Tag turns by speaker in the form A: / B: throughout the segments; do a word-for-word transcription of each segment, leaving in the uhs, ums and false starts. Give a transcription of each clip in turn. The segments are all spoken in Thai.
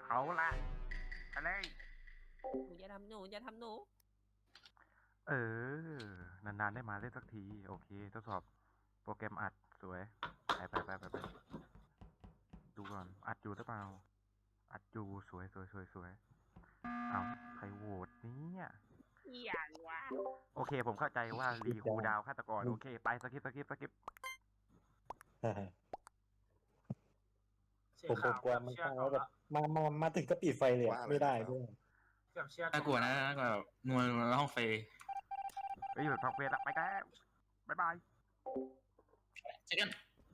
A: เอาละอะไร
B: หนูอย่าทำหนูอย่าทำหนู
A: เออนานๆได้มาเล่นสักทีโอเคทดสอบโปรแกรมอัดสวยไปไปไปไปไปดูก่อนอัดอยู่หรือเปล่าอัดอยู่สวยสวยสวยสวยเอาใครโหวตเนี่ย
B: อย่างวะ
A: โอเคผมเข้าใจว่ารีคูดาวฆาตกรโอเคไปสกิปสกิปสกิป
C: ผมผมกลัวมันค้างแล้วแบบมามามาถึงก็ปิดไฟเลยอะไม่ได้ด้วย
D: เกือบเชื่อ
E: น่ากลัวนะน่ากลัวแบบนวลนวลห้องไฟ
A: เฮ้ยหยุดพักเวทละไปกันบ๊ายบาย
E: เจอกัน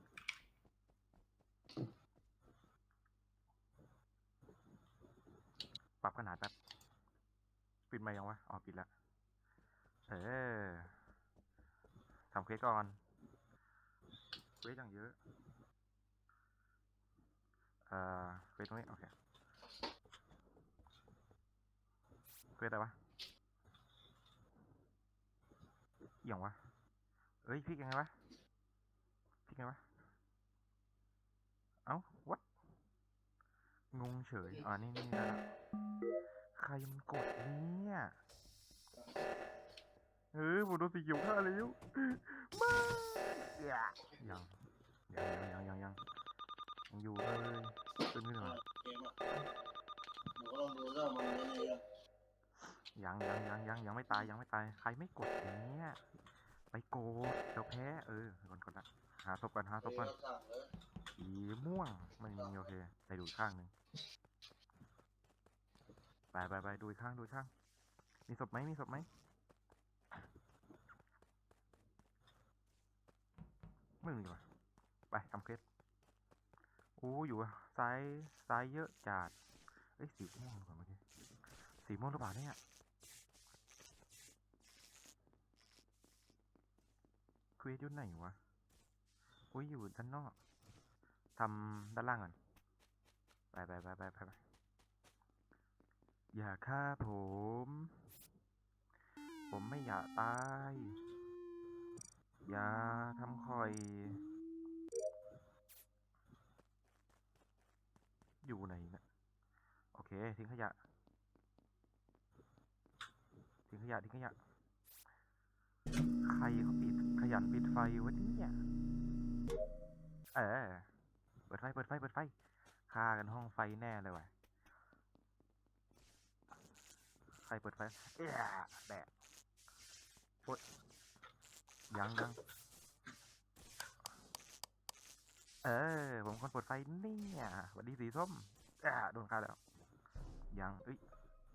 A: ปรับขนาดแป๊บปิดมายังวะอ๋อปิดละเออทำเควสก่อนเควสอย่างเยอะเอ่อเควสตรงนี้โอเคเควสอะไรวะเอี่ยงวะเอ้ยพลิกยังไงวะพลิกไงวะเอ้าวัดงงเฉยอ๋อนี่นี่นะใครมันกดเนี่ยเออผมโดนสีเขียวฆ่าแล้วมายังยังยังยังยังยังอยู่เลยขึ้นขึ้นมายังยังยังยังยังไม่ตายยังไม่ตายใครไม่กดเนี่ยไปโกดเราแพ้เออก่อนก่อนละหาศพกันหาศพกันสีม่วงไม่มีโอเคไปดูข้างหนึ่งไปไปไปดูข้างดูข้างมีศพไหมมีศพไหมไม่มีว่ะไปทำเคสโอ้อยู่ซ้ายซ้ายเยอะจัดเอ้ยสีม่วงหรือเปล่าเมื่อกี้สีม่วงหรือเปล่าเนี่ยเควสอยู่ไหนวะอุ้ยอยู่ด้านนอกทำด้านล่างก่อนไปไปไปไปไปไปอย่าฆ่าผม ผมไม่อยากตาย อย่าทำคอย อยู่ไหนนะโอเคทิ้งขยะทิ้งขยะทิ้งขยะใครเขาปิดขยันปิดไฟวะเนี่ยเออเปิดไฟเปิดไฟเปิดไฟฆ่ากันห้องไฟแน่เลยว่ะใครเปิดไฟเอ๊ะแดดโอ๊ยยังยังเออผมคนเปิดไฟเนี่ยสวัสดีสีส้มอ่าโดนฆ่าแล้วยังเอ้ย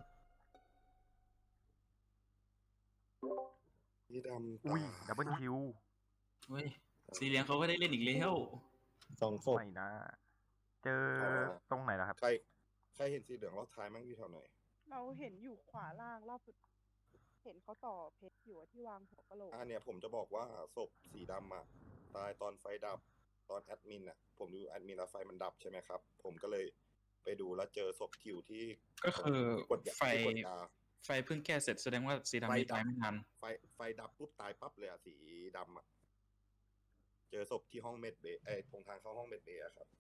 F: สีดำ
A: อุ้ย
F: ตา
A: ดับเบิลคิว
E: เฮ้ยสีเหลืองเขาก็ได้เล่นอีกแล้ว
C: สองศพ
A: ไม่นะ เจอตรงไหนล่ะครับ
F: ใครใครเห็นสีเหลืองรอบท้ายมั้งอยู่แถวไหน
G: เราเห็นอยู่ขวาล่างรอบสุดเห็นเขาต่อเพชรอยู่อะที่วางหัวกะโหลก
F: อ่าเนี่ยผมจะบอกว่าศพสีดำอะตายตอนไฟดับตอนแอดมินอะผมดูแอดมินแล้วไฟมันดับใช่ไหมครับ ผมก็เลยไปดูแล้วเจอศพคิวที่
E: ก็คือก
F: ดยา
E: ไฟ
F: ที่กดยา
E: ไฟเพิ่งแก้เสร็จแสดงว่าสีดำนี่ตายไม่ทัน
F: ไฟไฟดับปุ๊บตายปั๊บเลยอะสีดำอะเจอศพที่ห้องเมดเบย์ไอ้ตรงทางเข้าห้องเมดเบย์อะครับ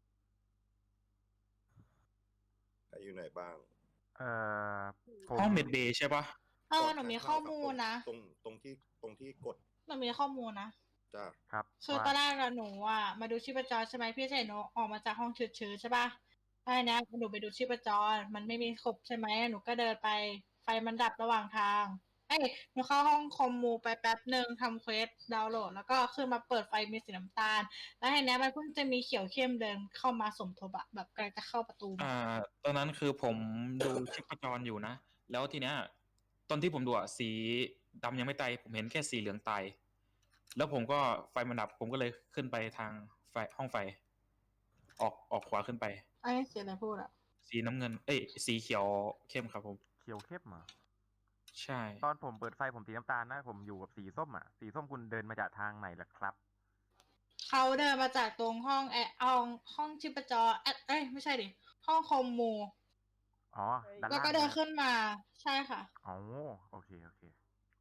F: ใครอยู่ไหนบ้าง
A: เอ่อผม
E: ห้องเมดเบย์ใช่ปะ
H: เออหนูมีข้อมูลนะ
F: ตรงตรงที่ตรงที่กด
H: หนูมีข้อมูลนะ
F: จ้า
A: ครับ
H: คือตอนแรกอะหนูอะมาดูชีพจรใช่ไหมพี่เสนหนูออกมาจากห้องชื้นๆใช่ปะไอ้นะหนูไปดูชีพจรมันไม่มีครบใช่ไหมหนูก็เดินไปไฟมันดับระหว่างทางเอ้ยหนูเข้าห้องคอมมูไปแป๊บหนึ่งทำเควสดาวน์โหลดแล้วก็ขึ้นมาเปิดไฟมีสีน้ำตาล แล้วไอ้เนี้ยมันเพิ่งจะมีเขียวเข้มเดินเข้ามาสมทบอะแบบกำลังจะเข้าประตู
E: อ่า ตอนนั้นคือผมดูชีพจรอยู่นะ แล้วทีเนี้ยตอนที่ผมดูอะสีดำยังไม่ตายผมเห็นแค่สีเหลืองตายแล้วผมก็ไฟมันดับผมก็เลยขึ้นไปทางไฟห้องไฟ ออกออกขวาขึ้นไป
H: ไอ้เสียอะไรพูดอะ
E: สีน้ำเงิน เอ้ยสีเขียวเข้มครับผม
A: เขียวเข้มอ่ะ
E: ใช่
A: ตอนผมเปิดไฟผมสีน้ำตาลนะ ผมอยู่กับสีส้มอ่ะ สีส้มคุณเดินมาจากทางไหนล่ะครับ
H: เขาเดินมาจากตรงห้องแอร์ห้องห้องชีพจรเอ้ยเอ้ยไม่ใช่ดิห้องคอมมู
A: อ๋อด้าน
H: แล้ว
A: ล่าง
H: ก็เดินขึ้นมาใช่ค่ะ
A: อ๋อโอเคโอเค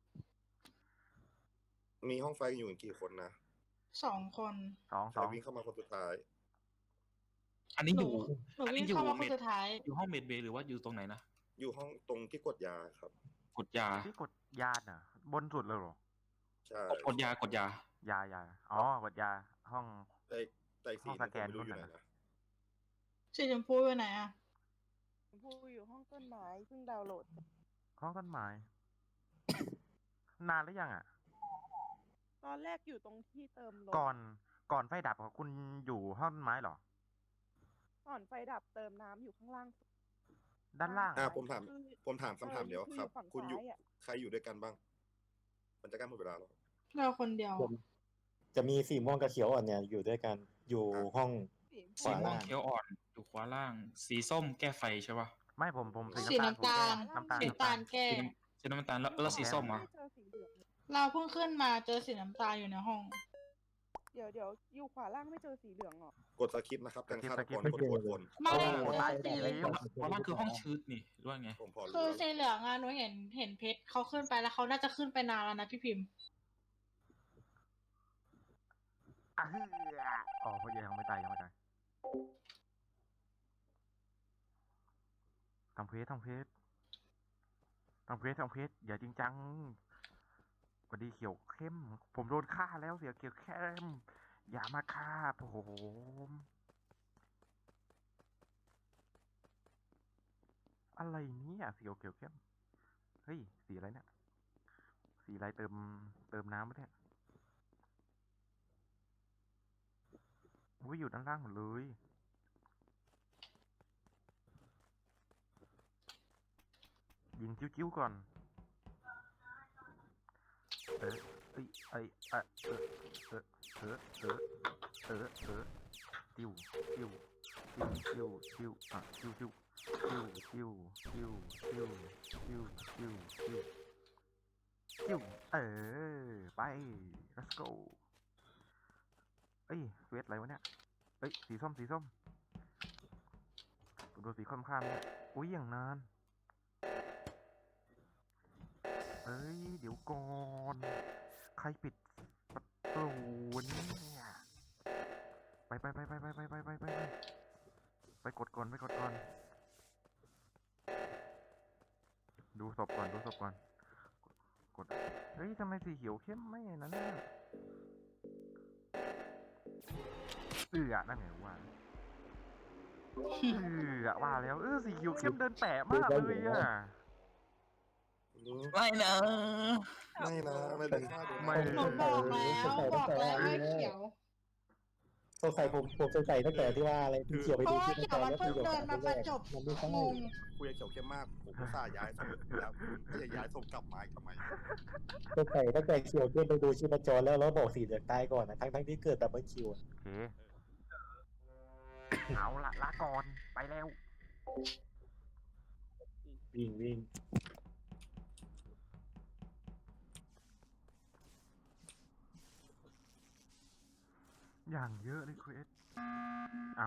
F: มีห้องไฟอยู่กันกี่คนนะ
H: สองคน
A: สอง
F: ใค
A: ส
F: ร
A: อง
F: วิ่งเข้ามาคนสุดท้าย
E: อันนี้อยู่
H: หนู
E: อัน
H: วิ่
E: นี้
H: ง
E: อยู่
H: เข้ามาค
E: เม
H: น
E: ด
H: สุดท้าย
E: อยู่ห้องเมดเบย์หรือว่าอยู่ตรงไหนนะ
F: อยู่ห้องตรงที่กดยาครับ
E: กดยา
A: ที่กดยาน่ะ บนสุดเลยเหรอ
F: ใช่
E: กดยากดยา
A: ยายาอ๋อกดยาห้อง
F: แต่แต่อีก
A: ห้
F: สี
A: อง
F: หนึ
A: ส
F: ง
A: แก
F: ผม
A: น
F: ไม่รู้อยู่
A: นู่
F: ไหน
A: นน่ะ
F: นะ
H: สีชมพูอยู่ไหนอะ
G: ชมพูอยู่ห้องต้นไม้เพิ่งดาวน์โหลด
A: ห้องต้นไม้ นานหรือยังอ่ะ
G: ตอนแรกอยู่ตรงที่เติมลม
A: ก่อนก่อนไฟดับของคุณอยู่ห้องต้นไม้เหรอ
G: ก่อนไฟดับเติมน้ำอยู่ข้างล่าง
A: ด้านล่าง
F: อ่ะ
G: ซ้ย
F: ผมถาม
G: คือ
F: ผมถามคำถาม
G: ออ
F: เดียว
G: อ
F: ครับ
G: ฝั่ง
F: คุณอยู่
G: ซ้ายอะ
F: ใครอยู่ด้วยกันบ้าง มันจะใกล้หมดเวลาแล้ว
H: เราคนเดียว
C: ผมจะมีสีม่วงกับเขียวอ่อนเนี่ยอยู่ด้วยกันอยู่ห้อง
G: สี
C: ข
E: สี
C: วา
E: ม่ว
C: ล่าง ง
E: เขียวอ่อนอยู่ขวาล่าง สีส้มแก้ไฟใช่ปะ
A: ไม่ผมผมสี
H: สี
A: น้ำตาล
H: น้ำตาล
A: ผมแก้น้ำตาล
H: สี
A: น้ำ
H: น้ำ
A: ตาล
H: ตาลแก้
E: สีน้ำสีน้ำตาลแล้วแล้วสีส้มอ่ะ
G: ไม่เจอสีเหลืองเลย
H: เราเพิ่งขึ้นมาเจอสีน้ำตาลอยู่ในห้อง
G: เดี๋ยวเดี๋ยวอยู่ขวาล่างไม่เจอสีเหลืองเหรอ
F: กดสคริปต์นะครับกันฆาตกร
C: ไม่
F: กด
C: เจอ
F: กดบน
H: ไม่
A: โอ้โห
H: เจอ
A: ตาย
H: สี
A: ดีแล้ว
E: ขวาล่างคือห้องชืดนี่หรือว่าไง
F: ผมพอรู้
H: คือ
F: แล้ว
H: สีเหลืองอะหนูเห็นเห็นเพชรเขาขึ้นไปแล้วเขาน่าจะขึ้นไปนานแล้วนะพี่พิมพ์
A: อ่ะเฮ้ยอ๋อเพราะยังไม่ตายยังไม่ตายทำเพจทำเพจทำเพจทำเพจอย่าจริงจังสวัสดีเขียวเข้ม ผมโดนฆ่าแล้วเสียเขียวเข้ม อย่ามาฆ่าผมอะไรเนี่ยเสียวเขียวเข้ม เฮ้ย สีอะไรเนี่ย สีอะไรเติมเติมน้ำปะเนี่ยอุ้ยอยู่ด้านล่างหมดเลย ยิงจิ้วๆก่อน เออเอ้ยไอยเออเออเออเออเออเออเออจิ้วจิ้วจิ้วจิ้วจิ้วอ่ะจิ้วจิ้วจิ้วจิ้วจิ้วจิ้วจิ้วจิ้วจิ้วจิ้วเออไป let's go เอ้ยเวทอะไรวะเนี่ยเอ้ยสีส้มสีส้มดูสีค่อนๆเนี่ยอุ้ยอย่างนานเอ้ยเดี๋ยวก่อนใครปิดประตูเนี่ยไปไปไปไปไปไปไปไปไปไปกดก่อนไปกดก่อนดูศพก่อนดูศพก่อนกดเฮ้ยทำไมสีเขียวเข้มไม่นั่นเนี่ยเอือนั่นไงว่าเอือว่าแล้วเออสีเขียวเข้มเดินแปะมากเลยอ่ะ
E: ไม่นะ
F: ไม่นะ ไม่ได้ฆ่าโดน
A: ไม่
H: หนูบอกแล้วบอกแล้วว่าเขียว
C: สงสัยผมผมสงสัยตั้งแต่ที่ว่าอะไรที่เขียวไป
H: เพ
C: ดู
H: ราะว่า
C: ที่
H: เขียวมัน
C: แล้ว
H: เพิ่งเดินมาประจบ
C: มันไม่ใช่
H: งง
F: คุยกับเขียวเข้มมาก ผมก็สาย้ายศพแล้วคุณก็จะย้ายศพกลับมาอีกทำไม
C: สงสัยตั้งแต่เขียวขึ้นไปดูชีพจรแล้วแล้วบอกสีเหลืองตายก่อนนะทั้งทั้งที่เกิดดับเบิลคิว
A: โอเค เอาละลาก่อน ไปแล้ว
C: วิ่งวิ่ง
A: อย่างเยอะเลยคริสเอา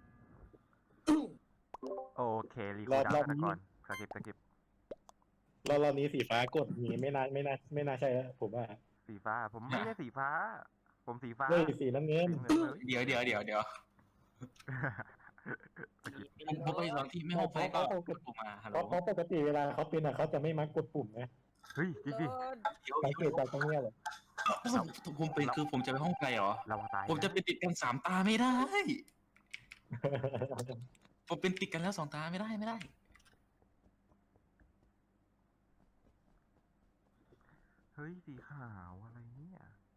A: โอเค รีคูลดาวน์กันก่อนสกิปสกิป
C: รอบรอบนี้สีฟ้ากดนี้ไม่น่าไม่น่าไม่น่าใช่แล้วผมว่า
A: สีฟ้า ผมไม่ได้สีฟ้า ผมสีฟ้า
C: เฮ้ยสีน้ำเงิน
A: สีเงินเลย
E: เดี๋ยวเดี๋ยวเดี๋ยวเดี๋ยว
A: สกิป
E: ผมผมไปสองที่ไม่ห้องไฟก็กดปุ่มมาฮัลโห
C: เพ
E: ล
C: ราะเพราะปกติเวลาเขาเป็นอ่ะเขาจะไม่มักกดปุ่มนะ
A: เฮ้ยจริงดิ
E: เดี๋ยว
C: สังเกตจากตรงเนี้ยแหละ
E: ผมผมเป็นคือผมจะไปห้องไฟเหรอ
A: ระวังตาย
E: ผมจะ
A: น
E: ไปติดกันสามตาไม่ได้ ผมเป็นติดกันแล้วสองตาไม่ได้ไม่ได้
A: เฮ้ย สีขาวอะไรเนี่ย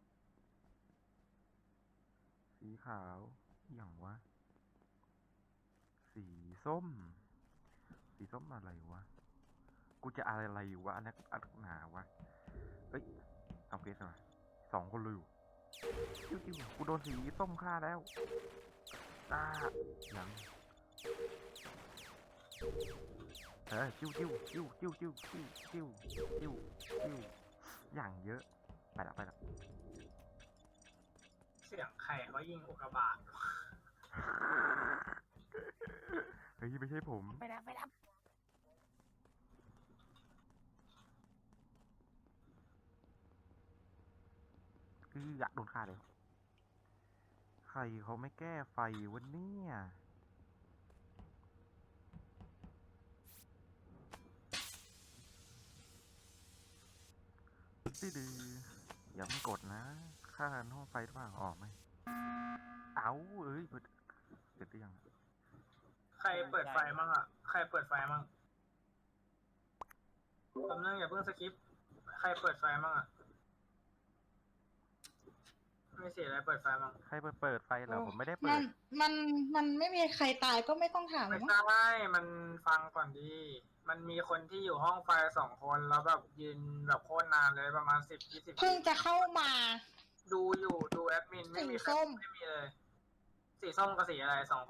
A: สีขาวอย่างวะ สีส้ม สีส้มอะไรวะ กูจะอะไรอยู่วะอันนักอันหนาวะเอ้ยทำเกสมาสองคนเลยอยู่จิ้วจิ้วกูโดนสีส้มฆ่าแล้วอ่ายังเออจิ้วจิ้วจิ้วจิ้วจิ้วจิ้วจิ้วจิ้วจิ้วอย่างเยอะไปละไปละ
D: เสียงใครเขายิงอุกกาบาต
A: เฮ้ยไม่ใช่ผม
B: ไปแล้วไปแล้ว
A: คืออยากโดนฆ่าเลยใครเขาไม่แก้ไฟวันนี้ดื้ออย่าเพิ่งกดนะค่าห้องไฟหรือเปล่าออกไหมเอาเอ้ยเปิดเสร็จหรือยัง
D: ใครเปิดไฟมั่งอ่ะ ใครเปิดไฟมั่งคำนึงอย่าเพิ่งสคิป ใครเปิดไฟมั่งอ่ะ ไม่เสียอะไรเปิดไฟมั่ง
A: ใครเปิดเปิดไฟเหรอผมไม่ได้เปิ
H: มั
A: ด
H: นมันมันไม่มีใครตายก็ไม่ต้องถามหร
D: ไม่
H: อกมั้ง
D: ใช่มันฟังก่อนดี มันมีคนที่อยู่ห้องไฟสองคนแล้วแบบยืนแบบโคตรนานเลยประมาณสิบยี่สิบ
H: เพิ่งจะเข้ามา
D: ดูอยู่ดูแอดมินไม่มี
H: สี
D: ใคร
H: ส้ม
D: ไม่มีเลย สีส้มกับสีอะไรสองคน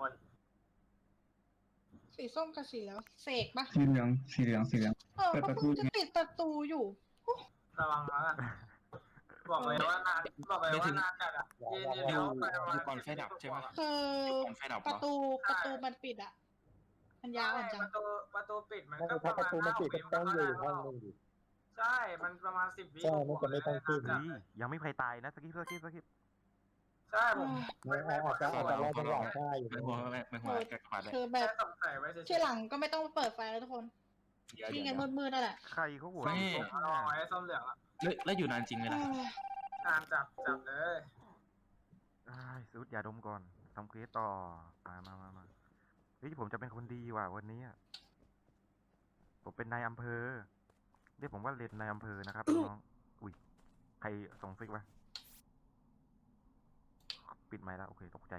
H: สีส้มกับสีแล้วเสกปะ
I: สีเหลืองสีเหลืองสีเหลือง
H: เออ
I: เปิด
H: ก็
I: ประตู
H: เพิ่งจะปิดประตูอยู่
D: ระวังนะ บอกเลยว่านานบอกเลยว่านานจัดอ่ะยืนอยู่ในห้องไฟประมาณ
E: อยู่ก่อนไฟดับใช่ปะ
H: คือ
E: ก่อนไฟดับเห
H: ป
E: ร
H: ระ
E: อ
H: ตูประตูมันปิดอ่ะ มันยาวอ่อนจั
D: ป
H: ง
D: ระตูประตูปิดมัน
C: ไม่
D: ก็ป
C: ถ้า
D: ระ
C: ประ
D: มาณ
C: ตูมัน
D: ห้า
C: ปิด
D: วิ
C: ก็
D: มัน
C: ต้อง
D: ก็
C: อยู่
D: ได้
C: อีกห้องหนึงดิ
D: ใช่ มันประมาณสิบวิ
C: ใช่มันจะไม่ต้องขึ้น
D: จัด
A: เฮ้ยยังไม่มีใครตายนะสกิปสกิปสกิป
D: ใช่ผม
C: ไม่อาจจะอาจจะรอจังหวะฆ่าอยู่
E: ไม่
C: นะ
E: หัวไม่ไม่หัวกระขาดเลย
H: คือแบ
D: แค่
H: บ
D: สงสัยไว้เฉยๆ
H: ที่หลังก็ไม่ต้องเปิดไฟแล้วทุกคน
E: เดี๋ยว
H: ที่
E: เดี๋ยว
H: เงินมืดๆนั่นแหละ
A: ใครเขาโหวต
D: ส้ม
A: ให้
D: เหลื
A: ส้
D: อง
A: ม
D: รอ
A: น่ะ
D: ไว้ส้มเหลืองอะ
E: แล้วแล้วอยู่นานจริงไหมล่ะ
D: นานจับจับเลย
A: อ้ายสุดอย่าดมก่อนทำเควสต่อมามามามาเฮ้ยผมจะเป็นคนดีว่ะวันนี้อะผมเป็นนายอำเภอเรียกผมว่าเลนนายอำเภอนะครับน้องอุ้ยใครส่งซิกวะปิดไมค์แล้วโอเคตกใจ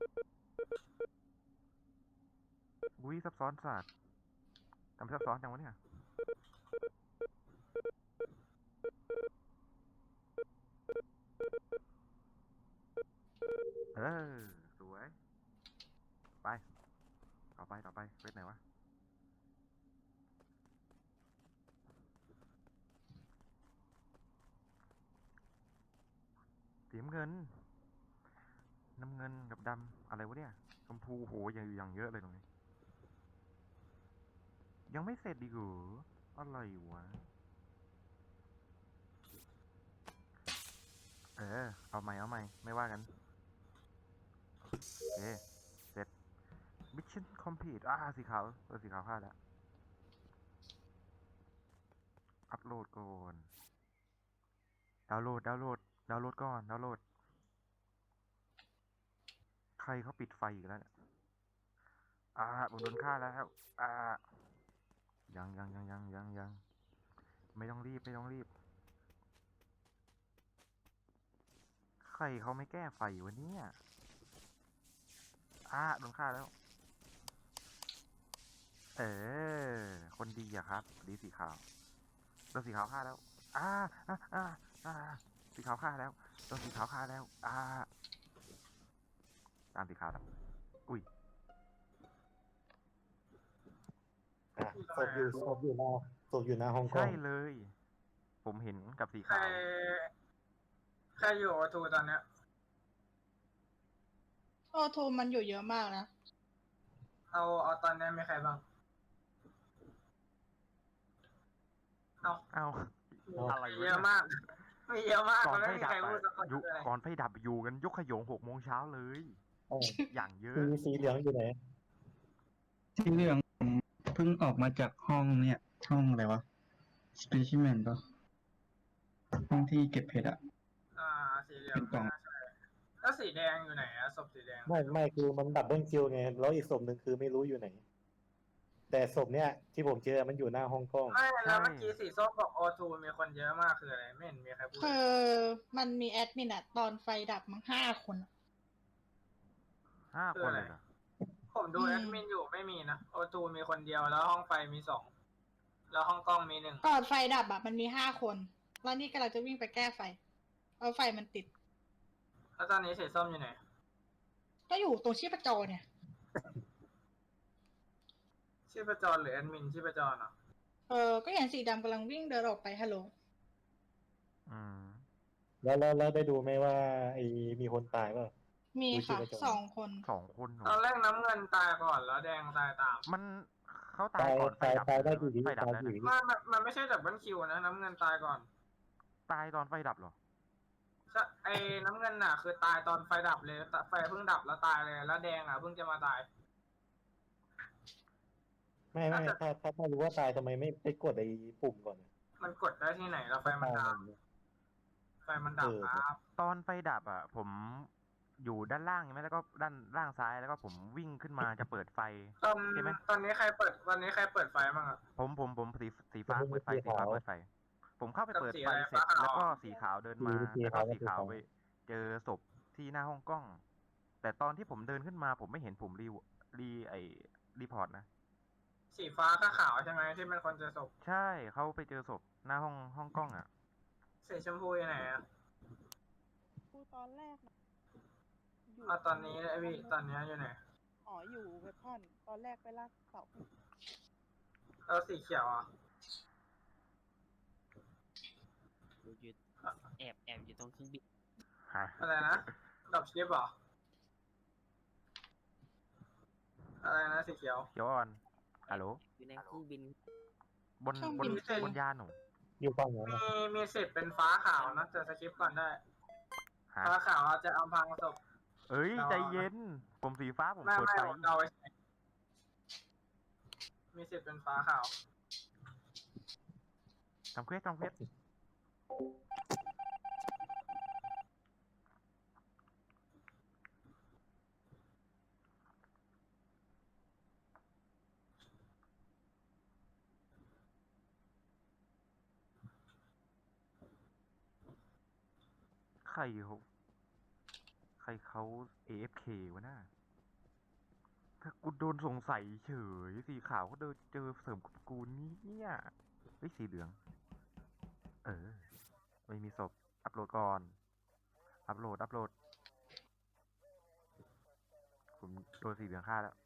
A: อุ้ยซับซ้อนสัตว์ทำซับซ้อนจังวะเนี่ยเออสวยไปต่อไปต่อไปเวทไหนวะสีน้ำเงินน้ำเงินกับดำอะไรวะเนี่ยชมพูโหอย่างอย่างเยอะเลยตรงนี้ยังไม่เสร็จดีกว่าอะไรวะเออเอาใหม่เอาใหม่ไม่ว่ากันโอเคเสร็จ Mission Complete อ่าสีขาวเออสีขาวพลาดแล้วอัพโหลดก่อนดาวน์โหลดดาวน์โหลดดาวน์โหลดก่อนดาวน์โหลดใครเขาปิดไฟอีกแล้วเนี่ยอ่าผมโดนฆ่าแล้วอ่ายังยังยังยังยังยังไม่ต้องรีบไม่ต้องรีบใครเขาไม่แก้ไฟวะเนี่ยอ่าโดนฆ่าแล้ว เออคนดีอะครับดีสีขาวโดนสีขาวฆ่าแล้วอ่าอ่าอ่าอ่าสีขาวฆ่าแล้วโดนสีขาวฆ่าแล้วอ่าตามสีขาวแล้วอุ้ย
C: อ่ะศพอยู่ศพอยู่หน้าศพอยู่หน้าห้องกล้
A: ใช่
C: อง
A: เลย ผมเห็นกับสี
D: ใคร
A: ขาว
D: ใครอยู่ประตูตอนเนี้ย
H: โอทูมันอยู่เยอะมากนะ
D: เอาเอาตอนนี้มีใครบ้าง เอา
A: เอ้าอะไร
D: มี
A: วะ
D: เย
A: เนี่
D: อะ
A: ย
D: มากมีเยอะมาก
A: ก่อน
D: มัน
A: ไฟ
D: ไม่มี
A: ดับ
D: ใคร
A: อะ
D: พูดสักคน
A: อยู่
D: เลย
A: ก่อนไฟดับอยู่กันยกขยงหกโมงเช้าเลย
C: เออ
A: อย่างเยอะ
C: สีสีเหลืองอยู่ไหน
I: สีเหลืองผมเพิ่งออกมาจากห้องเนี่ยห้องอะไรวะ specimen ปะห้องที่เก็บเพชรอะ
D: อ่าสีเหลือง
I: เป็นกล่อง
D: ไม่น่าใช่แล้วสีแดงอยู่ไหนอะศพสีแดง
C: ไม่ไม่คือมันดับเบิลคิวไงแล้วอีกศพหนึ่งคือไม่รู้อยู่ไหน แต่ศพเนี้ยที่ผมเจอมันอยู่หน้าห้องกล้อง
D: ไม่แล้วเมื่อกี้สีส้มบอกโอทูมีคนเยอะมากคืออะไรไม่เห็นมีใครพูด
H: คือมันมีแอดมินอะตอนไฟดับมั้งห้าคนอะ
A: ห้าคนเลยเหรอ
D: ผมดู
H: อืม
D: แอดมินอยู่ไม่มีนะโอทูมีคนเดียวแล้วห้องไฟมีสองแล้วห้องกล้องมีหนึ่ง
H: ก่อนไฟดับอะมันมีห้าคน แล้วนี่กำลังจะวิ่งไปแก้ไฟเอาไฟมันติด
D: แล้วตอนนี้สีส้มอยู่ไหน
H: ก็อยู่ตรงชีพจรเนี่ย
D: ชีพจรหรือแอดมินชีพจรอ่ะ
H: เออ ก็เห็นสีดำกำลังวิ่งเดินออกไปฮัลโหล
A: อืม
C: แล้วแล้วแล้วได้ดูไหมว่าไอ้มีคนตายเปล่า
H: มีค่ะ
C: ดูชีพจร
H: สองคน
A: สองคนเหร
D: ตอ
A: อน
D: แรกน้ำเงินตายก่อนแล้วแดงตายตาม
A: มันเขาตา
C: ตาย ย
A: ก่อนไฟ
C: ตาย
A: ดับ
C: ตายได้
A: หรือ
C: กี่วิ
A: ไฟดับ
C: ตาย
A: แล้ว
C: กี่
A: นะ
C: วิ
D: มันมันมันไม่ใช่ดับเบิลคิวนะน้ำเงินตายก่อน
A: ตายตอนไฟดับเหรอ
D: ใช่ไอ้น้ำเงินน่ะ คือตายตอนไฟดับเลยแต่ไฟเพิ่งดับแล้วตายเลย แล้วแดงอ่ะเพิ่งจะมาตาย
C: ไม่ไม่ถ้าถ้าถ้ารู้ว่าตายทำไมไม่ไปกดไอ้ปุ่มก่อน
D: มันกดได้ที่ไหนแล้วไฟมันดับไฟมันดับครับ
A: ตอนไฟดับอ่ะ ผมอยู่ด้านล่างใช่ไหมแล้วก็ด้านล่างซ้ายแล้วก็ผมวิ่งขึ้นมาจะเปิดไฟ
D: ตอน
A: ใช่ไหม
D: ตอนนี้ใครเปิดตอนนี้ใครเปิดไฟบ้างอะ
A: ผมผมผมสีสีฟ้าเปิดไฟสีฟ้าเปิดไฟ ผมเข้าไปเปิดไฟเสร็จ
D: กับสีอะไรฟ้าขาว
A: แล้วก็สีขาวเดินมา
C: สี
A: แล้วก็
C: ขาวกับ
A: สีขาว
C: สีขาว
A: ไปเจอศพที่หน้าห้องกล้อง แต่ตอนที่ผมเดินขึ้นมา ผมไม่เห็นผมรีรีไอรีพอร์ตนะ
D: สีฟ้ากับขาวใช่ไหมที่เป็นคนเจอศพ
A: ใช่เขาไปเจอศพหน้าห้องห้องกล้องอ่ะ
D: สีชมพูอยู่ไหนอะ
G: พูดตอนแรกนะยู่
D: อ่ะตอนนี้ไอพี่ตอนนี้อยู่ไหน
G: อ๋ออยู่เว็บพอนตอนแรกไปลากเสา
D: แล้วสีเขียวอ่ะ
B: กูยืนแอบแอบอยู่ตรงเครื่องบิน
A: ฮะ
D: อะไรนะดับชิปเหรออะไรนะสีเขียว
A: เขียวอ่อนฮัลโหล
B: อยู่ในเครื่องบิน
A: บนบนบนยานหนู
C: อยู่ฝั่งนั้น
D: มี
C: นะ
D: มีสิทธิ์เป็นฟ้าขาวนะแต่สคริปต์ก่อนได้
A: ฮะ
D: ฟ้าขาวอาจจะอำพรางศพ
A: เอ้ย
D: เรา
A: ใจเย็น ผมสีฟ้าผม
D: ไม่
A: เปิด
D: ไม่
A: ไฟ
D: ผมเดาไว้ใช่มีสิทธิ์เป็นฟ้าขาว
A: ทำเควสทำเควสใครเขาใครเขา เอ เอฟ เค วะน่าถ้ากูโดนสงสัยเฉย สีขาวเขาเดินเจอเสริมกับกูเนี่ยเฮ้ยสีเหลือง เออ ไม่มีศพ อัปโหลดก่อน อัปโหลด อัปโหลด ผมโดนสีเหลืองฆ่าแล้ว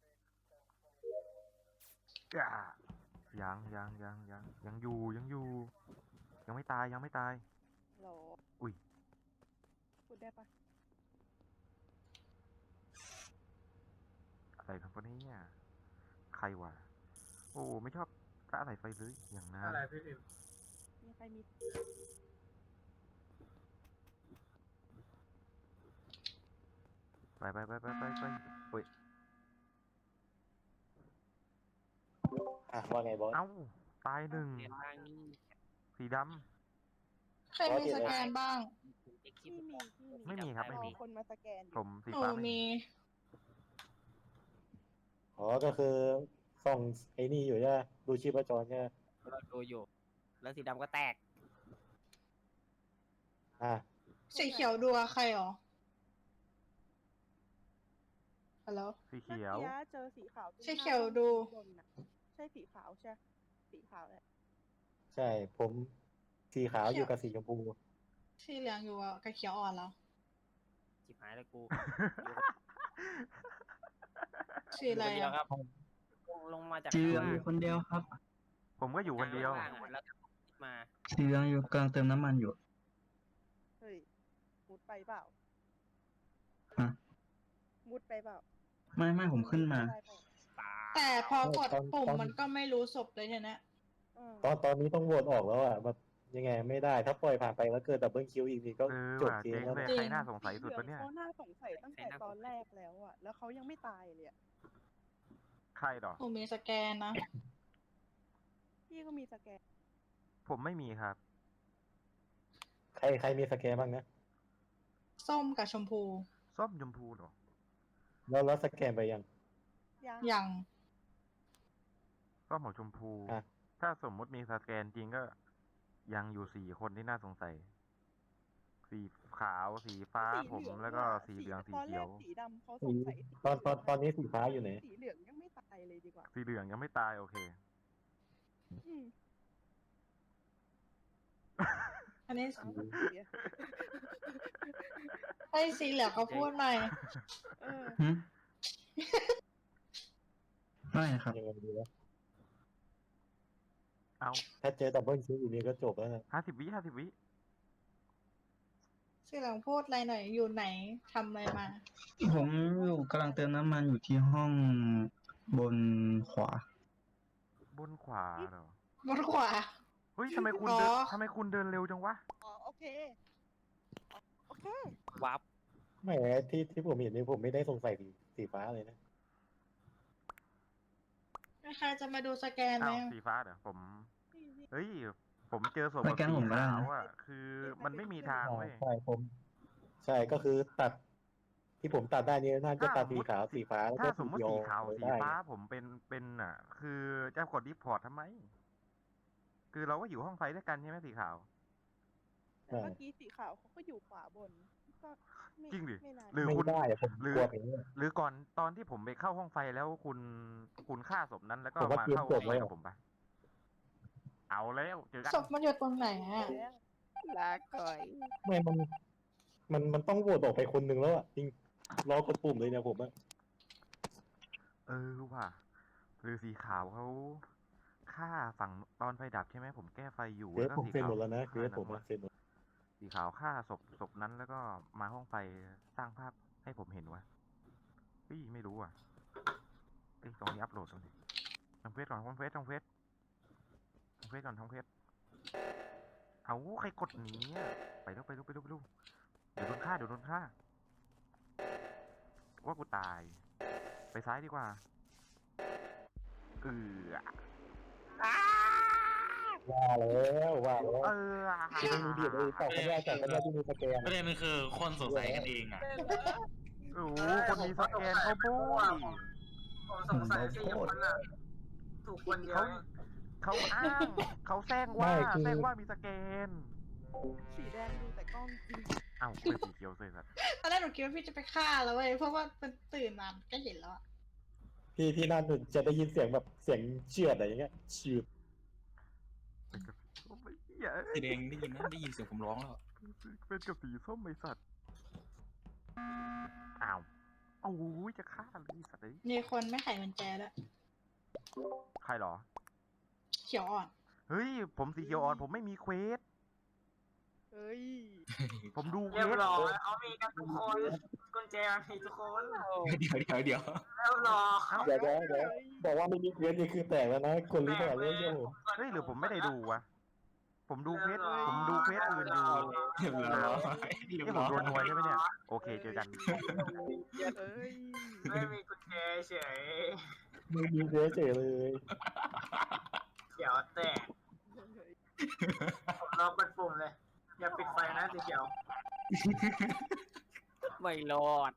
A: อ่ายังยังยังยังยังอยู่ยังอยู่ ยังไม่ตายยังไม่ตาย
G: โหล
A: อุ้ย
G: พูดได้ปะ
A: อะไรครับวันนี้เนี่ย ใครวะ โอ้ไม่ชอบละอะไรไฟเลยอย่างนั้น
D: อะไรพี่พิมพ์
G: มีใครมี
A: ไปไปไปไปไปไปเฮ้ย
C: อ่ะว่าไงบอส
A: เอ้า ตายหนึ่ง
B: เรียนทางนี้
A: สีด
H: ใครมีสแกนบ้าง
B: เอ็กซ์
G: ที่มีที่มี
A: ไม่มีครับไม่มี
G: รอคนมาสแกนอ
A: ำผ
G: ยู่
A: มสี
H: หนู
A: ฟ้าไม่มี
H: มี
C: อ๋อก็คือส่องไอ้นี่อยู่ใช่ไหมดูชีพจรใช่ไหม
B: เราดูอยู่ แล้วสีดำก็แตก
C: อ่ะ
H: สีเขียวดูอะใครหรอฮัลโหล
A: สี
G: เมื่อ
A: เขียว
G: กี้เจอสีขาวตรง
H: สีเขียวดู
G: บนน่ะใช่สีขาวใช่ สีขาวแหละ
C: ใช่ ผมสีขาวอยู่กับสีชมพู
H: สีเหลืองอยู่อะกับเขียวอ่อนแล้ว
B: จิบหายแล้วกู
H: สีอะไร
B: คนเดียว
H: อะ
B: ครับ ลงลงมาจาก
I: สีเหลือง
B: ข้าง
I: อ
B: ล่าง
I: ยู่คนเดียวครับ
A: ผมก็อยู่คนเดียว
B: ข้างล่างอะแล้วก็มา
I: สีเหลืองอยู่กำลังเติมน้ำมันอยู่
G: เฮ้ย มุดไปเปล่า
I: ฮะ
G: มุดไปเปล่า
I: ไม่ไม่ผมขึ้นมา
G: ได้เปล่า
B: ตา
H: แต่พอกด
C: ตอน
H: ปุ่ม
C: ตอน
H: มันก็ไม่รู้ศพเลยทีเนี้ย
G: อืม
C: ตอนตอนนี้ต้องโหวตออกแล้วอ่ะแบบยังไงไม่ได้ ถ้าปล่อยผ่านไปแล้วเกิดดับเบิลคิวอีกทีก็
A: เออ
C: จบ
A: ว่ะ
C: เก
A: เจ๊
C: ม
A: ง
C: แล้ว
A: เลย
C: นะ
A: ใครน่าสงสัยสุด
G: เหลื
A: วะเนี่ย
G: เขาน่าสงสัยตั้งแต่ตอนแรกแล้วอะแล้วเขายังไม่ตายเลยอะ
A: ใครหรอ
H: หนูมีสแกนนะ
G: พี่ก็มีสแกน
A: ผมไม่มีครับ
C: ใครใครมีสแกนบ้างนะ
H: ส้มกับชมพู
A: ส้มชมพูเหรอ
C: แล้วแล้วสแกนไปยัง
G: ยัง
H: ยัง
A: ส้มของชมพู
C: อ่ะ
A: ถ้าสมมุติมีสแกนจริงก็ ยังอยู่สี่คนที่น่าสงสัย สีขาว สีฟ้า
G: สี
A: ผม
G: เหลือง
A: แล้วก็
G: อะ
A: สีเหลือง สี
G: ตอนแร
A: เขียว
G: กสีดำเขาสงสัยสี
C: ตอนตอนตอนนี้สีฟ้าอยู่ไหน
G: สีเหลืองยังไม่ตายเลยดีกว่า
A: สีเหลืองยังไม่ตายโอเค
G: อืม
H: อันนี้
G: เอาเสีย
H: ไอ้สีเหลืองเขาพูดใหม่
G: เออ
I: หึ ไม่ครับ
C: ยังไงดีวะ
A: เอา
C: ถ้าเจอดับเบิลคิวอีกทีก็จบแล้วนะ
A: ห้าสิบวิห้าสิบวิ
H: สีเหลืองพูดอะไรหน่อย อยู่ไหนทำอะไรมา
I: ผมอยู่กำลังเติมน้ำมันอยู่ที่ห้องบนขวา
A: บนขวาเหรอ
H: บนขวา
A: เฮ้ยทำไมคุณ
H: อ๋อ
A: เดินทำไมคุณเดินเร็วจังวะ
G: อ๋อโอเค โอเค
B: วับ
C: ไม่ที่ที่ผมเห็นนี่ผมไม่ได้สงสัยสีสีฟ้าเลยนะ
H: ใครจะมาดูสแกนไหม
A: อ้าวสีฟ้าเหรอผม เฮ้ยผมเจอศพ
I: ไป
A: แบบ
I: แก๊ง
A: สี
I: ผมก็ได้
A: ขาว
I: นะ
A: อ่ะ คือมันไม่มีทาง
C: ใช่
A: เว้ย
C: ใช่ผม ใช่ก็คือตัด ที่ผมตัดได้นี่น่าจะ
A: ถ้า
C: ตัด
A: สม
C: สี
A: มุติ
C: ขาวสีฟ้าแล้ว
A: ถ้า
C: ก็
A: ส
C: สี
A: มมุติ
C: เขียว
A: สีขาว
C: เลย
A: สี
C: ได้
A: ฟ้า
C: ไง
A: ผมเป็น เป็นอ่ะ คือจะกด report ทำไม? คือเราก็อยู่ห้องไฟด้วยกันใช่ไหมสีขาว?
G: แต่เมื่อกี้สีขาวเขาก็อยู่ขวาบน ก็ไม่
A: จริงดิ
G: ไม่นาน
A: หรือ
C: ไม่
A: คุณ
C: ได้อะผม
A: หรื
C: ก
A: อ
C: ลัวอย่างงี้
A: หรือก่อนตอนที่ผมไปเข้าห้องไฟแล้วคุณ คุณฆ่าศพนั้น แล้วก็
C: ผมว่า
A: มา
C: เกม
A: เข้า
C: จ
A: ห้
C: บ
A: องไฟ
C: แล้ว
A: กับผมเปล่า? เอาแล้วเจอกัน
H: ศพมันอยู่ตรงไหนอะ?
G: ลาก่อย
C: ไม่ มัน มัน มันต้องโหวตออกไปคนหนึ่งแล้วอะ จริง รอกดปุ่มเลยเนี่ยผมอะ
A: เออว่ะ หรือสีขาวเขาฆ่าฝั่งตอนไฟดับใช่ไหม? ผมแก้ไฟอยู่
C: เคว
A: แล้ว
C: ส
A: ก็
C: ผม
A: สี
C: เซ็น
A: ขา
C: หมดแล้วนะ เคว
A: ฆ่า
C: ส
A: นั้
C: ผม
A: น
C: อ
A: ว่ะ
C: ะเซ็นหมด
A: สีขาวฆ่าศพ ศพนั้น แล้วก็มาห้องไฟสร้างภาพให้ผมเห็นว่ะ เฮ้ย ไม่รู้ว่ะ เฮ้ย ตรงนี้อัปโหลดตรงนี้ ทำเควสก่อน ทำเควส ทำเควส ทำเควสก่อน ทำเควส อ้าว ใครกดหนีอะ ไปเร็ว ไปเร็ว ไปเร็ว ไปเร็ว เดี๋ยวโดนฆ่า เดี๋ยวโดนฆ่า ว่ากูตาย ไปซ้ายดีกว่า เอือ
C: ว่าแล้ว ว่าแล้ว
A: เออ
C: ที่ไม่มีเดียดเลยตอบไม่ได้แต่ก็ได้ที่มีสแกน
E: ประเด็นมันคือคนสงสัยกันเองอะ
A: โอ้โฮ คนมีสแกนเขาโบ้ย
D: ผมสงสัย สี่ คนน่ะ ถูกคนเดีย
A: เขา
D: วเอง
A: เขาอ้าง เขาแซงว่า
C: ไม่คือ
A: แซงว่ามีสแกน
G: สีแดงดูแต่กล้องจริง
A: อ้าว เป็นสีเขียวเฉยสัตว์
H: ตอนแรกหนูคิดว่าพี่จะไปฆ่าแล้วเว้ย เพราะว่ามันตื่นมาก็เห็นแล้วอะ
C: พี่ พี่นั่นน่ะจะได้ยินเสียงแบบเสียงเฉือดอะไรอย่างเงี้ย ฉืด
A: เป็นกับ โอ้ย เหี้ย
E: สีแดงได้ยินนะ ได้ยินเสียงผมร้องแล้ว
A: เป็นกับสีส้มไอ้สัตว์ อ้าว โอ้โฮ จะฆ่าเลยไอ้สัตว์เอ้ย
H: มีคนไม่ไขกุญแจด้วย
A: ใครเหรอ?
H: เขียวอ่อน
A: เฮ้ย ผมสีเขียวอ่อน ผมไม่มีเควส
G: เฮ้ย
A: ผมดูเคว
D: เรียบ
A: ส
D: ร้อย เขามีกันทุกคน กุญแจมันมีทุกคน
E: เดี๋ยว เดี๋ยว เดี๋ยว
D: เรียบร้อย
C: เดี๋ยว เดี๋ยว เดี๋ยว บอกว่าไม่มีเควสนี่คือแตกแล้วนะ คนรู้
D: แปล
C: เปล่าก
D: เล
C: เรื่อย งเชื่อผม
A: เฮ้ย หรือผมไม่ได้ดูวะ ผมดูเควส ผมดูเควสอื่นอยู่
E: เรียบร้อยเรียบ
A: นี่ผ
E: ร้
A: ม
E: อย
A: โดนนวยใช่ไหมเนี่ย? โอเค เจอกัน
G: เฮ้ย
D: ไม่มีกุญแจเฉย
C: ไม่มีเควสเฉยเลย
D: เขียวแตก ผมรอกดปุ่มเลย อย่าปิดไฟนะสีเขียว
B: ไม่รอด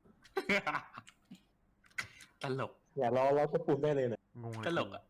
E: ตลก
C: อย่ารอเรากดปุ่มได้เลยเนี่ย
A: งงเลย
E: ตลกอะ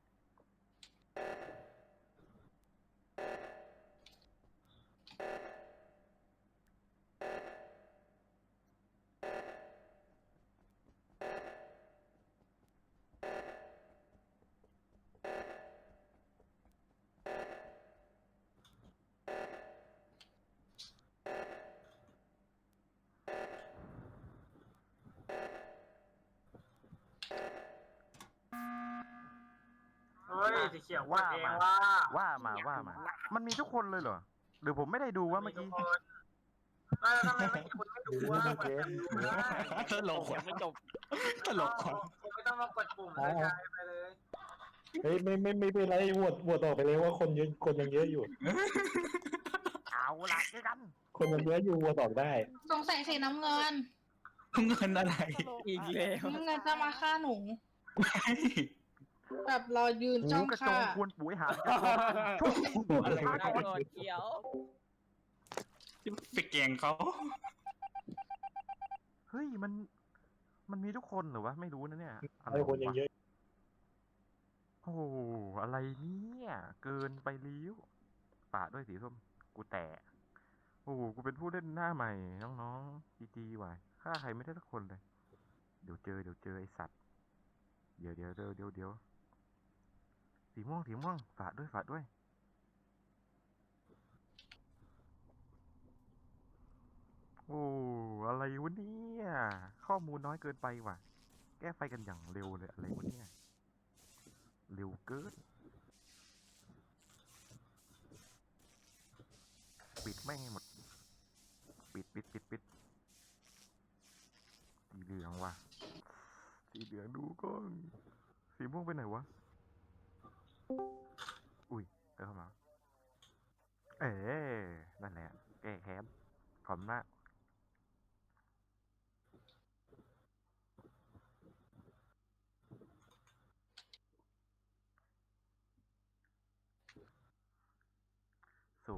D: เฮ้ย สีเขียวกด
A: ว่า
D: เอง
A: มา
D: ว่า
A: ว่ามา ว่ามา มันมีทุกคนเลยเหรอ? หรือผมไม่ได้ดูวะเมื่อ
D: ทุ
A: กี้
D: กคนแล้วทำไมไม่คุณไม่ดูวะกดแบบดูได้
E: ตลก
B: ยั
E: ว่ะ
B: งไม่จบ
E: ตลกว่ะ
D: คุณไม่ต้องมากดปุ่มเลยกลายไปเลย
C: เฮ้ยไม่ไม่ไม่เป็นไรโหวตโหวตออกไปเลยว่าคนเยอะคนยังเยอะอยู่
A: เอาล่ะเจอกัน
C: คนยังเยอะอยู่โหวตออกได้
H: สงสัยสีน้ำเงิน
E: เงินอะไร
B: อีกแล้ว
H: น้ำเงินจะมาฆ่าหนู
E: ไม่
H: แบบรอยืน
A: หู
H: จ้อง
A: กระจ
H: ฆ่า
A: งควรปุ๋ยหางกระโจน
E: อะไร
B: ไม่
E: วะ
B: ได้รอดเขียว
E: ไปแกล้งเขา
A: เฮ้ย มัน มันมีทุกคนเหรอวะ? ไม่รู้นะเนี่ย อะไร
C: ไอ้คนยัง
A: วะ?
C: เยอะ
A: โอ้โฮ อะไรเนี่ย เกินไปแล้ว ฝากด้วยสีส้ม กูแตก โอ้โฮ กูเป็นผู้เล่นหน้าใหม่ น้องๆ จี จี ว่ะ ฆ่าใครไม่ได้สักคนเลย เดี๋ยวเจอ เดี๋ยวเจอไอ้สัตว์ เดี๋ยว เดี๋ยว เดี๋ยว เดี๋ยว เดี๋ยว สีม่วง สีม่วง ฝากด้วย ฝากด้วย โอ้ อะไรวะเนี่ย ข้อมูลน้อยเกินไปว่ะ แก้ไฟกันอย่างเร็วเลย อะไรวะเนี่ย เร็วเกิน ปิดแม่งให้หมด ปิด ปิด ปิด ปิด สีเหลืองว่ะ สีเหลืองดูก่อน สีม่วงไปไหนวะ? อุ๊ย เดินเข้ามา เออ นั่นแหละ แก้แค้น ขอบคุณมาก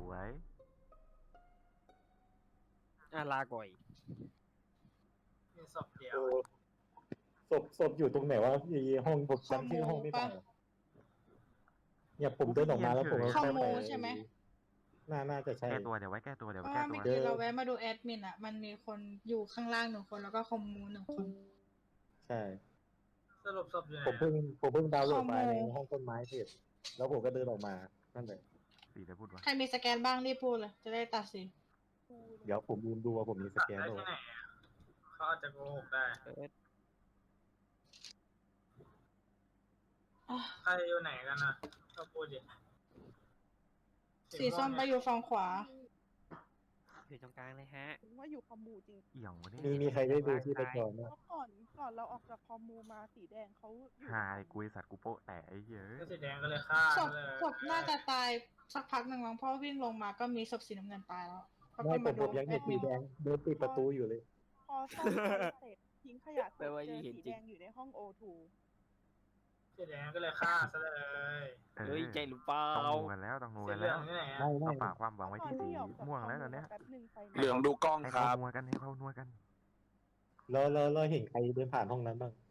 A: วย
B: อ่ะลาก่อย
D: มีศพเดียว
C: เออศพศพอยู่ตรงไหนวะไอ้ห้องผมจำชื่อห้องไม่ได้เนี่ยผมเดินออกมาแล้วผมก็
H: คอม
C: เข้า
H: มู
C: ไป
H: ใช่ไหม
C: น่าน่าจะใช่
A: แก้ตัวเดี๋ยวไว้แก้ตัวเดี๋ยว
H: เพ
A: ไว้
H: ราะ
A: แก้
H: ว่า
A: ตัว
H: เมื่อกี้เราแวะมาดูแอดมินอ่ะ มันมีคนอยู่ข้างล่างหนึ่งคนแล้วก็คอมมูหนึ่งคน
C: ใช่
D: สรุปศพอยู่ไหน
C: ผมเพิ่งผมเพิ่งดาวน์โหลดไฟล์
H: คอม
C: ใน
H: มู
C: ห้องต้นไม้เสร็จแล้วผมก็เดินออกมานั่นเลย
A: สีได้พูดวะ
H: ใครมีสแกนบ้างรีบพูดเลย จะได้ตัดสิน
C: เดี๋ยวผมลืมดูว่าผมมีส
D: ตัด
C: แกน
D: ได้
C: ด้วย
D: ที่ไหนอะเขาอาจจะโกหกได้
B: เอิร์ธ
H: อ่ะ
D: ใครอยู่ไหนกันนะก็พูดดิ
H: สีส้มไปอยู่ฝั่งขวา
B: อยู่ตรงกลางเลยฮะ
G: ถึงว่าอยู่คอมมูจริง
A: เอี่ยงวะเนี่ย
C: มีมีใครได้ดูที่ประจรไหม
G: เพราะก่อนก่อนเราออกจากคอมมูมาสีแดงเขาอยู่
A: หายกูไอ้สัตว์กูโป๊ะแต่ไอ้เหี้ย
D: ก็สีแดงก็เลยฆ่า
H: ศพ
D: เลย
H: ศพน่าจะตายสักพักหนึ่งมั้งเพราะวิ่งลงมาก็มีศพสีน้ำเงินตายแล้วแล้ว
C: ไม่
H: ก็
C: ผมผมยังเห็นสีแดงเดินปิดประตูอยู่เลย
G: พอซ่อมไฟเสร็จทิ้งขยะเส
B: แปล
G: ร็จ
B: ว่า
G: เจอ
B: เห็น
G: สี
B: จริ
G: แด
B: ง
G: งอยู่ในห้องโอทู
D: สีแดงก็เลยฆ่าซะเลย
A: เออ
B: เฮ้ยใจหรือเปล่า
A: ต้องงูกันแล้วต้องงู
D: สี
A: กัน
D: เหลื
A: แล้
D: อ
A: ว
D: งที่ไหนอะ
C: ไม่ไม่
A: ต้องฝากความหวังไว้ที่สีม่วงแล้วตอนเนี้ย
G: แป๊บหนึ่งไฟ
F: เหลืองดูกล้อง
A: ให้
F: ค
A: เขา
F: รับ
A: นัวกันให้เขานัวกัน
C: แล้วแล้วเราเห็นใครเดินผ่านห้องนั้นบ้าง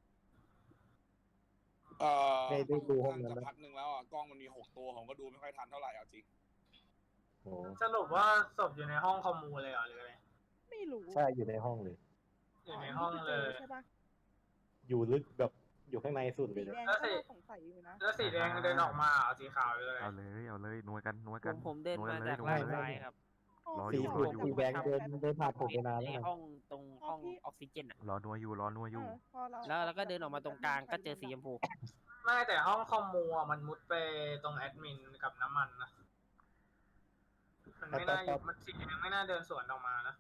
F: เอ่อ
C: ได้ได้ดูห้องนั้น
F: จะ
C: ไหม
F: พักหนึ่งแล้วอ่ะกล้องมันมีหกตัวผมก็ดูไม่ค่อยทันเท่าไหร่เอาจริง
C: โอ้
D: สรุปว่าศพอยู่ในห้องคอมมูเลยเหรอหรืออะไร
G: ไม่รู้
C: ใช่อยู่ในห้องเลย
D: อยู่ในห้องเลย
G: ใช่ปะ
C: อยู่ลึกแบบอยู่ข้างในสุดเล
G: สี
C: ยนะ
G: แดง
D: แล้ว
G: ก็
D: สิ
G: น่าสงสัยอยู่นะ
D: แล้วสีแดงเดินออกมาเหรอสีขาวหรืออะไร
A: เอาเลยเอาเลยนัวกันนัว
B: ผ
A: กัน
B: มผมเดิน
A: นัว
B: มา
A: กันเลย
B: จาก
A: นัว
B: ล่า
A: กั
B: ง
A: นเลย
B: ซ้ายครับ
A: รอ
C: สี
A: อยู่
C: สุด
A: รออยู่
C: สีแดงเดินเดินผ่านผมไปนาน
B: ใน
C: แล้ว
B: ห้องตรงห้องออกซิเจนอ่ะ
A: รอนัวอยู่รอนัวอยู่
G: เออพอเรา
B: แล้วแล้วก็เดินออกมาตรงกลางก็เจอสีชมพู
D: ไม่แต่ห้องคอมมูอะมันมุดไปตรงแอดมินกับน้ำมันนะ มันไม่น่าอยู่มันสีแดงไม่น่าเดินสวนออกมานะ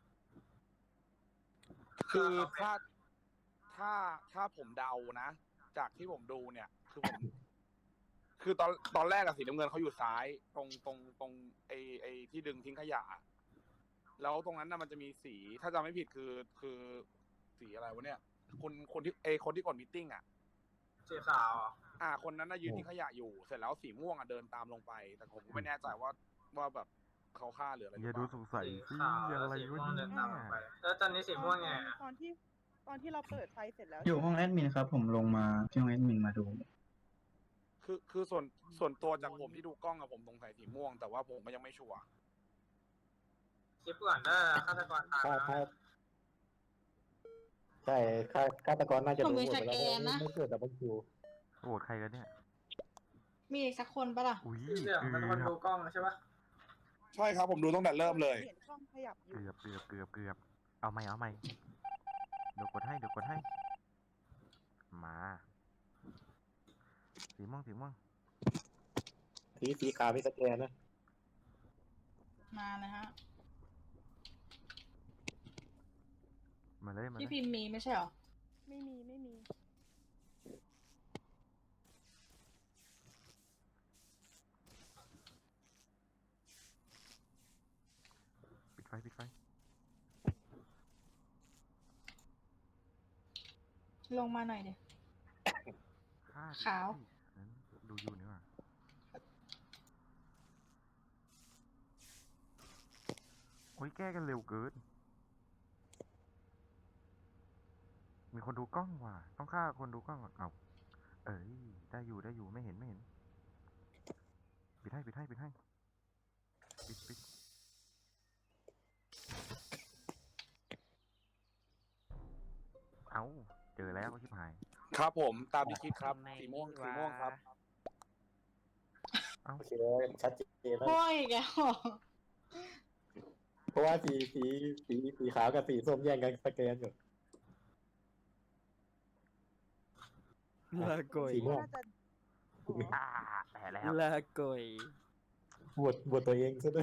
F: คือถ้าถ้าถ้าผมเดานะ จากที่ผมดูเนี่ย คือผม คือตอนตอนแรกอะสีน้ำเงินเขาอยู่ซ้าย ตรงตรงตรงไอไอที่ดึงทิ้งขยะ แล้วตรงนั้นน่ะมันจะมีสี ถ้าจำไม่ผิดคือคือสีอะไรวะเนี่ย คนคนที่ไอคนที่กดมีตติ้งอะ
D: สีขาวเหรอ
F: อ่า คนนั้นน่ะยืนทิ้งขยะอยู่ เสร็จแล้วสีม่วงอะเดินตามลงไป แต่ผมก็ไม่แน่ใจว่าว่าแบบเขาฆ่าหรืออะไรห
A: อ
F: รื
A: ย่า
F: อเป
A: ดู
F: ล่า
A: สงสัย
D: สี
A: สิ
D: ขาว
A: อะ
D: แล้ว
A: ไร
D: สี
A: วะ
D: ม่วง
A: เนี่
D: เดินตามลงไป
A: ย
D: แล้วตอนนี้สีม่วงไงอะ
G: ตอนที่ตอนที่เราเปิดไฟเสร็จแล้ว
I: อยู่ห้องแอดมินครับ ผมลงมาที่ห้องแอดมินมาดู
F: คือคือส่วนส่วนตัวจากผมที่ดูกล้องอะผมสงสัยสีม่วง แต่ว่าผมก็ยังไม่ชัวร์
D: คลิปก่อนได้ฆาตกรตาม
C: ถ้า
D: นะ
C: ถ้าใช่ฆาฆาตกรน่าจะ
H: ผม
C: รู้
H: มี
C: หมดไปแล้ว
H: สแกนนะ
C: ไม่เกิดดับเบิลคิว
A: โหวตใครกันเนี่ย
H: มีอีกสักคนปะล่ะ
A: อุ้ย
D: สีเหลือง
A: เกื
D: เป็นคน
A: อ
D: ดู
A: บ
D: กล้องใช่ปะ
F: ใช่ครับผมดูตั้งแต่เริ่มเลย
G: เห็นกล้องขยับอยู่
A: เกือบเกือบเกือบเกือบเอาไหมเอาไหมเดี๋ยวกดให้เดี๋ยวกดให้ มาสีม่วงสีม่วง
C: สีสีขาวมีสแกนนะ
H: มาเลยฮะ
A: มาเลยมาเล
H: พี่
A: ย
H: พิมพ์มีไม่ใช่หรอ
G: ไม่มีไม่มี
A: ปิดไฟปิดไฟ
H: ลงมาหน่อยเดี๋ยว
A: ฆ่าดิ
H: ขาว
A: นั้นดูอยู่นี่หว่าโอ้ยแก้กันเร็วเกิน มีคนดูกล้องว่ะ ต้องฆ่าคนดูกล้องก่อนเอาเอ้ยได้อยู่ได้อยู่ไม่เห็นไม่เห็น ปิดให้ปิดให้ปิดให้ปิดปิดเอาเจอแล้วก็ชิบหาย
F: ครับผมตามที่คิดครับ สีม่วงสีม่วงครับ
C: โอเคชัดเจนแล้ว
H: โอ้ยแกแล้วเหรอ
C: เพราะว่าสีสีสีสีขาวกับสีส้มแย่งกันสแกนอยู่
B: ลาก่อย
C: สีม่วง
G: น่าจะ
A: อ่าแต่แล้ว
B: ลาก่อย
C: บวชบวชตัวเองซะด้วย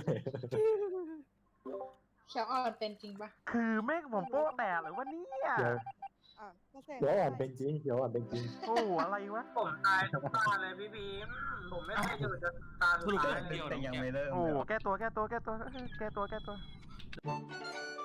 H: เขียวอ่อนเป็นจริงปะ
A: คือแม่งผมโป๊ะแตกหรือว่าเนี่ย
C: เดี๋ยว
G: อ่ะก็แสดง
C: เดี๋ยวอ่อนเป็นจริงเดี๋ยวอ่อนเป็นจริง
A: โอ้อะไรวะ
D: ผมตายทุกตาเลยพี่พีมผมไม่เคยอยู่จนตาสุดท้ายเลย
I: แต่ยังไม่เริ่ม
A: โอ้
I: เลยเหรอ
A: แก้ตัวแก้ตัวแก้ตัวแก้ตัวแก้ตัว